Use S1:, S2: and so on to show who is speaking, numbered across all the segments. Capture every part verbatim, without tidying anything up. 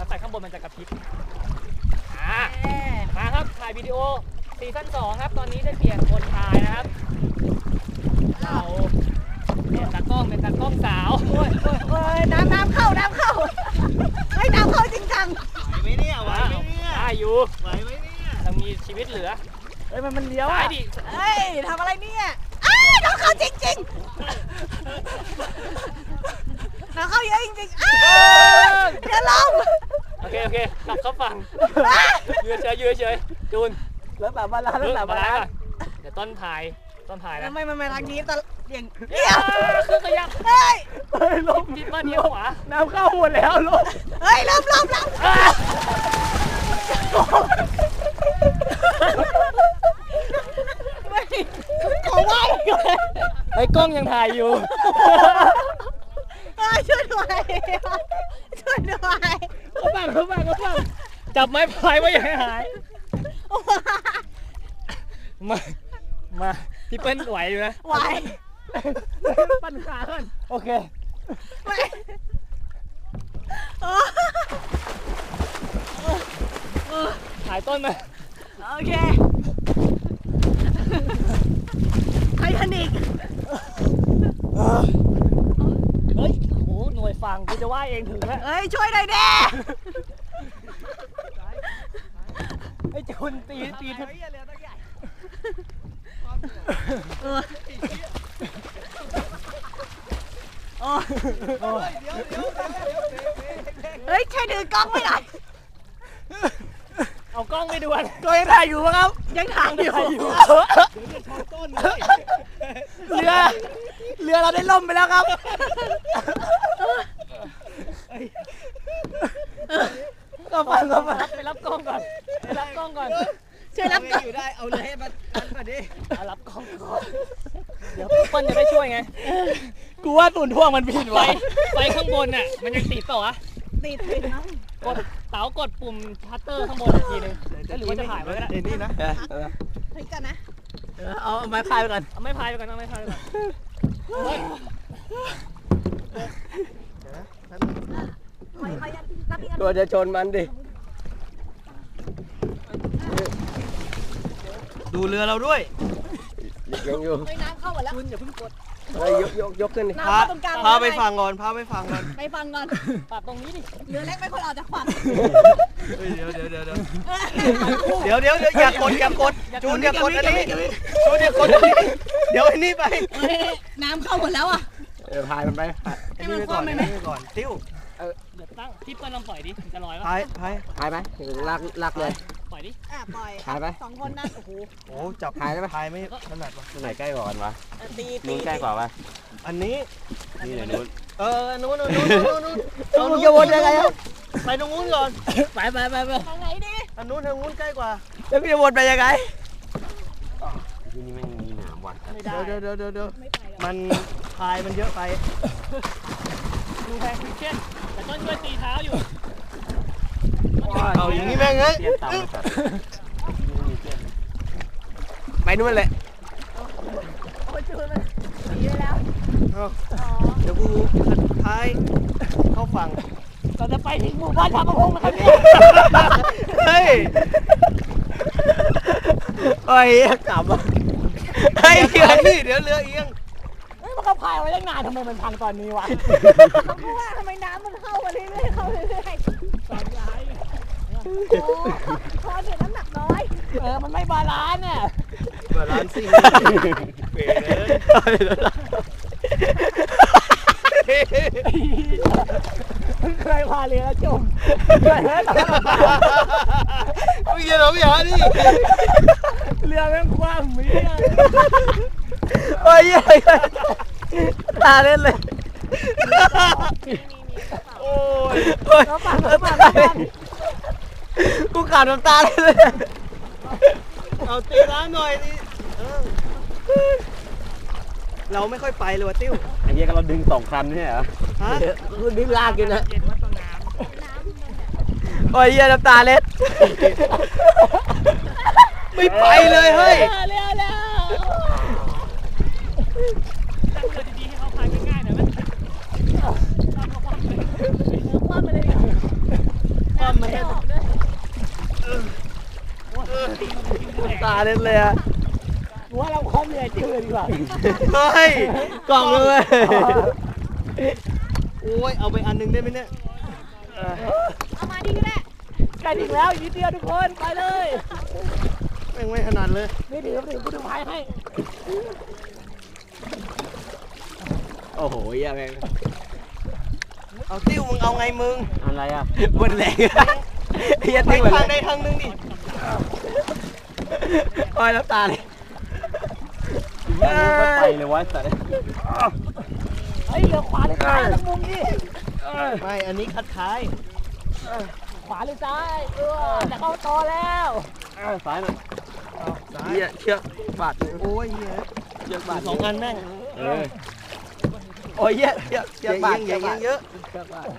S1: ไฟข้างบนมันจะกระพริบอ่ามาครับถ่ายวิดีโอซีซั่นสองครับตอนนี้ได้เปลี่ยนคนถ่ายนะครับเราเปลี่ยนตากล้องเป็นตากล้องสาวโอ้ยโอ้ยน้ำน้ำเข้าน้ำเข้าเฮ้ยน้ำเข้าจริงจัง
S2: ไหวไหมเนี่ยไหวไหมเนี่ย
S1: ได้อยู่
S2: ไหวไหมเนี่ย
S1: ยังมีชีวิตเหลือเฮ้ยมันมันเลี้ยวอ่ะ
S3: เฮ้ยทำอะไรเนี่ยอ้าวน้ำเข้าจริงจริงน้ำเข้าเยอะจริงๆอ้าวเดี๋ยวลง
S1: โอเคโอเคกลับเข้าฝั่งยืนเฉยยืนเฉยจูน
S3: แล้วแบบบาลานแล้วแบบบาลาน
S1: เดี๋ยวต้นถ่ายต้นถ่ายนะ
S3: ไม่ไม่ไม่ทางนี้ตะอย่าง
S1: เดี๋ยวคือขยับ
S3: เฮ้ย
S1: เฮ้ยลงทิศมาเนี้ยขวา
S3: น้ำเข้าหมดแล้วลงเฮ้ยลงลงลงขอไหว้
S1: ไอ้กล้องยังถ่ายอยู่
S3: ช่วยด้วยช่วยด้วย
S1: เขาบังเขาบังเขาบังจับไม้พายไว้อย่าให้หายมามาพี่เปิ้ลไหวอยู่นะ
S3: ไหว
S1: ปั้นขาขึ้นโอเคถ่ายต้นมา
S3: โอเคไททานิก
S1: เฮ้ยโอ้หน่วยฟังกูจะว่าเองถึงแล้ว
S3: เฮ้ยช่วยหน่อยดิ
S1: ไอ้จุนตีตีเ
S3: ฮ้ยใช่ดื้อกล้องไม่ได้
S1: เอากล้องไปดูกัน
S3: ก็ยังถ่ายอยู่ครับยังถ่ายอยู่เรือเรือเราได้ล่มไปแล้วครับ
S1: ก็ฟังก็ฟังไปรับกล้องก่อนไปรับกล้องก่อน
S3: ช่วยรับกล้อง
S2: อยู่ได้เอาเลยให้มันมาดิ
S1: รับกล้องก่อนเดี๋ยวเปิ้ลจะได้ช่วยไง
S3: กูว่าตุ่นท่วงมันผิดไว้
S1: ไฟข้างบนน่ะมันยังติดเปล่าวะ
S3: ติดติดนะ
S1: กดเต๋ากดปุ่มชัตเตอร์ข้างบนอีกทีนึงหรือว่าจะถ่ายไว้ก็ได้
S2: เดี๋ยวนี้นะ
S3: พลิกกันนะ
S1: เอาไม้พายไปก่อนเอาไม้พายไปก่อนเอาไม้พายไปก่อน
S2: ตัวจะชนมันดิดูเรือเราด้วย
S3: ยังอยู่ไม่น้ำเข้าหมดแล้วคุณอย่าเพิ่งกด
S2: ยกยกยกขึ้นดิ
S3: พา
S2: พาไปฟังก่อนพาไปฟังก่อน
S3: ไปฟังก่อน
S1: ปรับตรงนี้ดิ
S3: เรือเล็กไม่ควรออกจากฝั่ง
S2: เดี๋ยวเดี๋ยวเดี๋ยวเดี๋ยวเดี๋ยวเดี๋ยวอย่ากดอย่ากดจูนอย่ากดอันนี้จูนอย่ากดอันนี้เดี๋ยวอันนี้ไป
S3: น้ำเข้าหมดแล้วอ่ะ
S2: เดี๋ยวพายมันไป
S3: ให้มันคว่ำไปไหม
S2: ก่อนติ้ว
S1: เดี๋ยวตั้งที่เปิ้ลลองปล่อยดิจะลอยป่ะ
S2: พายพาย
S4: พายไหมลากลากเลย
S1: ปล่อยดิ
S3: อ่ะปล่อย
S4: พายไป
S3: สองคนนั่นโอ้โห
S2: โอ้จับพายได้ไหมพายไม่ถนัดวะ
S4: ไหนใกล้กว่ากันวะ
S3: ตี
S4: นู้นใกล้กว่าปะ
S2: อันนี้
S4: นี่ไหนนู้น
S2: เออนู้นนู้นนู้นนู้น
S3: นู้นจะวนยังไงครับ
S2: ไปตรงนู้นก่อน
S1: ไปไปไปไป
S3: ทางไหนดิ
S2: อันนู้นทางนู้นใกล้กว่า
S3: แล้วจะวนไปยังไง
S4: ที่นี่ไม่มีหนามว่ะ
S2: เดี๋ยวเดี๋ยวเดี๋ยวเดี๋ยวมันพายมันเยอะไป
S1: ดูแพงคริสเช่นแต่ต้นช่วยตีเท้าอยู่
S2: เอาอย่างนี้แม่งเอ้ยไปนู่นเลย
S3: โอ้ยจูนมันหนีไปแล้ว
S2: เดี๋ยวกูพายเข้าฝั่ง
S1: เราจะไปถึงหมู่บ้านชาวประมงนะครับเนี่ย
S2: เฮ้ย
S4: โอ้ยกลับมา
S2: เฮ้ยเดี๋ยวนี่เดี๋ยวเรือเอียง
S1: เฮ้ยมันก็พายไว้ตั้งนานทำไมมันพังตอนนี้วะ
S3: เขาว่าทำไมน้ำมันเข้ามาเรื่อยๆเข้าเรื่อยๆ
S1: สอนย้าย
S3: โอ้คอเนี่ยน้ำหนักน้อย
S1: เออมันไม่บาลานซ์เนี่ย
S2: บาลานซ์สิเป๋
S1: เลยเคยพาเรือจม
S2: ไม่เกี่ยวหรอกอย่าดิ
S1: เรือแม่งคว่ำมี
S2: โอ้ยยังไงตาเล่นเลยโอ้ยโอ้ยกูขาดน้ำตาเลยเอาตีร้านหน่อยดิเราไม่ค่อยไปเลยวะติ้ว
S4: ไอ้เหี้ยก็เราดึงสองคันนี่เหรอ
S2: ฮะ
S4: กูดึงลากอยู่นะ
S2: โอ้ยเหี้ยน้ำตาเล็ดไม่ไปเลยเฮ้ย
S1: เร็วเร็วตั้งเรือดีๆให้เขาพายง่ายๆหน่อยไหม
S3: คว่ำไปเลย
S1: เออ
S4: เล่นเลยอะ
S1: ว่าเราความเหนื่อยจิ้วเลยดีกว่า
S2: เฮ้ย
S4: กล่องเลย
S2: โอ้ยเอาไปอันหนึงได้ไหมเนี่ย
S3: เอามาดีก็ได้
S1: ใกล้ถึงแล้วอีกนิดเดียวทุกคนไปเลย
S2: แม่งไม่ถนัดเลย
S1: ไม่ถือไม่ถือกูถือพายให้
S4: โอ้โหเหี้ยังไง
S2: เอาติ้วมึงเอาไงมึง
S4: อะไรอ่ะ
S2: บนแรงเฮีย
S4: ติ้
S2: ติ้
S4: ว
S2: ง
S4: อะไร
S2: ทางใดทางหนึงดิ
S4: โอ้ยน้ำตาเลยไปเลยวะสัตว์
S1: เฮ้ยเหลือขวาหรือซ้ายตรงมุมนี้
S2: ไม่อันนี้คัดท้าย
S1: ขวาหรือซ้ายเออจะเข้าต่อแล้ว
S4: ซ้ายหน่อย
S2: ซ้าย
S4: เหี้ยเชือกบาด
S2: โอ้ยเฮีย
S4: เชือกบาด
S2: สองอันแม่ง
S4: เออโอ้ยเหี้ยเชือกเชื
S2: เย
S4: อก
S2: อะ
S4: บาด
S2: เยอะเยอะเยอะ
S4: เชือกบาด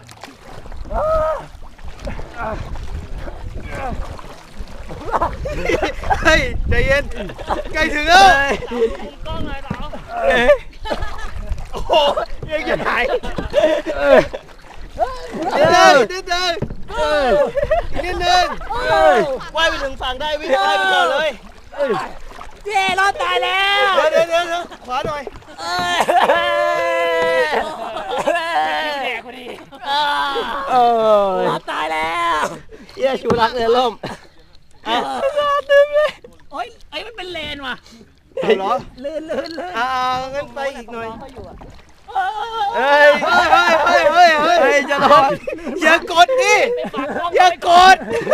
S2: เฮ้ยใจเย็นใกล้ถึงแล้ว
S1: กล้องเลยเต๋า
S2: โอ้โหยังจะหาย
S4: เออ
S2: นิดนึงนิดนึงอีกนิดนึงว่ายไปถึงฝั่งได้วิ่งว่ายไปก่อนเลย
S1: เย้รอดตายแล้ว
S2: เดี๋ยวเดี๋ยวเดี๋ยวขวาหน่อย
S1: แดกพอดี
S4: เออ
S1: รอดตายแล้ว
S4: เหี้ยชูรักเรือล่ม
S2: อ่ะ
S1: โอ้ยไอ้มันเป็นเลนว่ะ
S2: เอาเหรอ
S1: ลื่นลื่นลื่น
S2: อ่างั้นไปอีกหน่อย
S4: เฮ้ย
S2: เฮ้ยเฮ้ยเฮ้ยเฮ้ย
S4: เฮ้ยจะรอด
S2: อย่ากดดิอย่ากด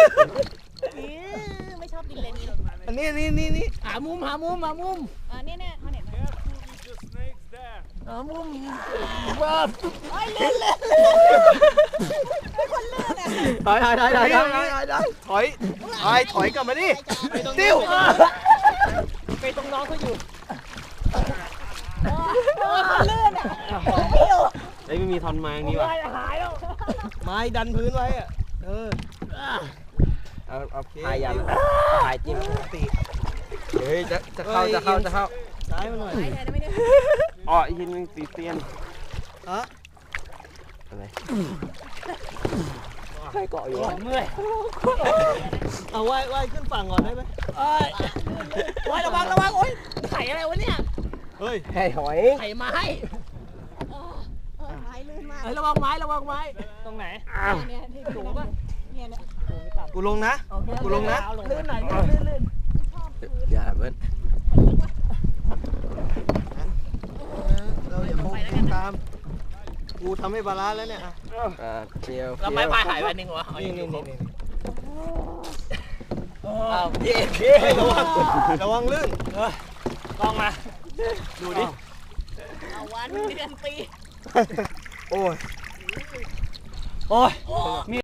S3: ไม่ชอบดินเลนนี้หรอก
S2: อันนี้นี่นี่นี่
S1: หามุมหามุมหามุม
S3: อ่าเนี่ยเนี่ยเขาเห็นไหม
S1: หามุมว้า
S3: โอ้ยลื่นเลยเป็นคนลื่นอ่ะ
S4: ถอยถอยถอยถอยถอยถอย
S2: ถอยถอยถอยกลับมาดิติ้ว
S1: ไปตรงน้องเขาอยู่
S3: โอ้ยคนลื่นอ่ะผมไม่อยู่
S4: เฮ้ยไม่มีทอนไม้อย่างนี้ว่ะ
S1: หายแล้ว
S2: ไม้ดันพื้นไว้อะเออ
S4: เอาเอาพายยันพายจิ้ม
S2: ตี
S4: เฮ้ยจะจะเข้าจะเข้าจะเข้า
S2: ซ้ายมาหน่อย
S3: ไปไหนนะไม่ได้
S4: อ๋ออีกทีนึงตีเตียน
S2: ฮะ
S4: อะไรใครเกาะอยู่วะ
S1: เมื่อย
S2: เอาว่ายว่ายขึ้นฝั่งก่อนได้ไหม
S1: เอ้ยโอ้ยระวังระวังโอ้ยไข่อะไรวะเนี่ย
S2: เฮ้ย
S4: ไข่หอย
S1: ไข่ไม้
S3: เออเออไม้ลื่นมาก
S1: เฮ้ยระวังไม้ระวังไม้ตรงไหน
S3: เนี่ยที่สูงป่ะเนี่ยเนี่ย
S2: กูลงนะ กูลงนะ
S1: ลื่นหน่อยลื่นลื่น
S4: อย่าเบิ้ล
S2: เราอย่าโค้งตาม กูทำให้บาลานซ์แล้วเนี่ยอ่ะ
S4: อ่าเจียว
S1: แล้วไม้พายหายไปหนึ่งวะ
S2: นี่นี่นี่นี่
S1: อ้าวพี่
S2: เฮ้ยระวัง ระวังลื่น
S1: ลองมา
S2: ดูดิ
S3: เอาวันเดือนปี
S2: โอ้ย
S1: โอ้ย